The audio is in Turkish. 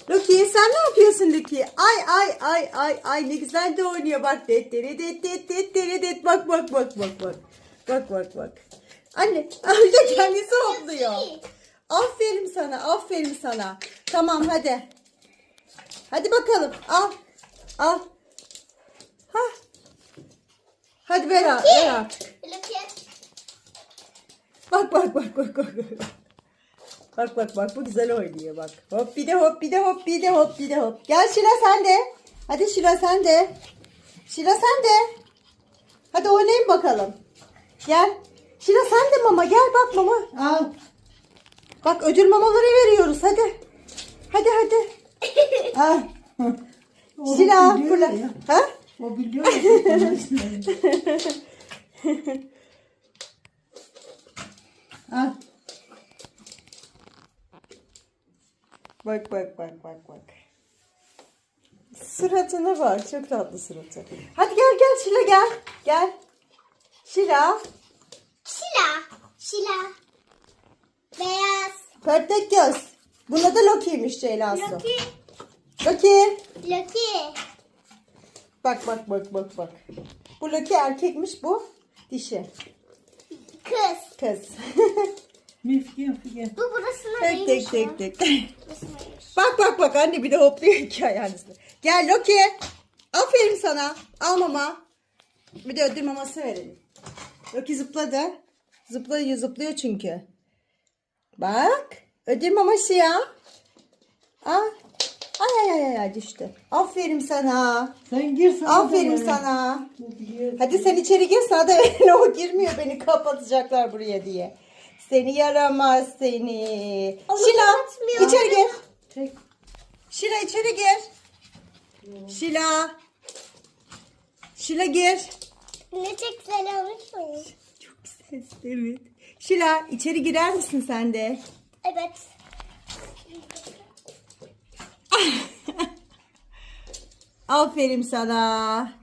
Loki sen ne yapıyorsun Loki? Ay ne güzel de oynuyor bak. Det. Bak. Bak. Anne öyle kendisi hopluyor. Aferin sana. Tamam hadi. Hadi bakalım. Al. Hah. Hadi ver artık. Loki. Bak. Bak bu güzel oynuyor bak. Hop bir de hop. Gel Şila sen de. Hadi Şila sen de. Hadi oynayın bakalım. Gel. Şila sen de mama gel bak mama. Al. Bak ödül mamaları veriyoruz hadi. Hadi. Al. Şila biliyor fırla. ya. Ha? O biliyor ya. Al. Bak. Suratına bak. Çok tatlı suratı. Hadi gel Şila gel. Şila. Şila. Beyaz. Pörtlek göz. Buna da Loki'ymiş Ceyla'sı. Loki. Loki. Bak. Bu Loki erkekmiş bu dişi. Kız. Mifkin. Bu burasına değilmiş. Tek. Bak anne bir de hopluyor iki ayağın üstüne. Gel Loki. Aferin sana. Al mama. Bir de ödül maması verelim. Loki zıpladı. Zıplıyor çünkü. Bak. Ödül maması ya. Ay düştü. Aferin sana. Sen gir sana. Aferin sana. Hadi sen içeri gir, sana da verin. O girmiyor, beni kapatacaklar buraya diye. Seni yaramaz seni. Ama Şila kapatmıyor. içeri gir. Tek. Şila içeri gir. Şila gir. Ne çok güzel olmuş mu? Çok ses, evet. Şila içeri girer misin sen de? Evet. Aferin sana.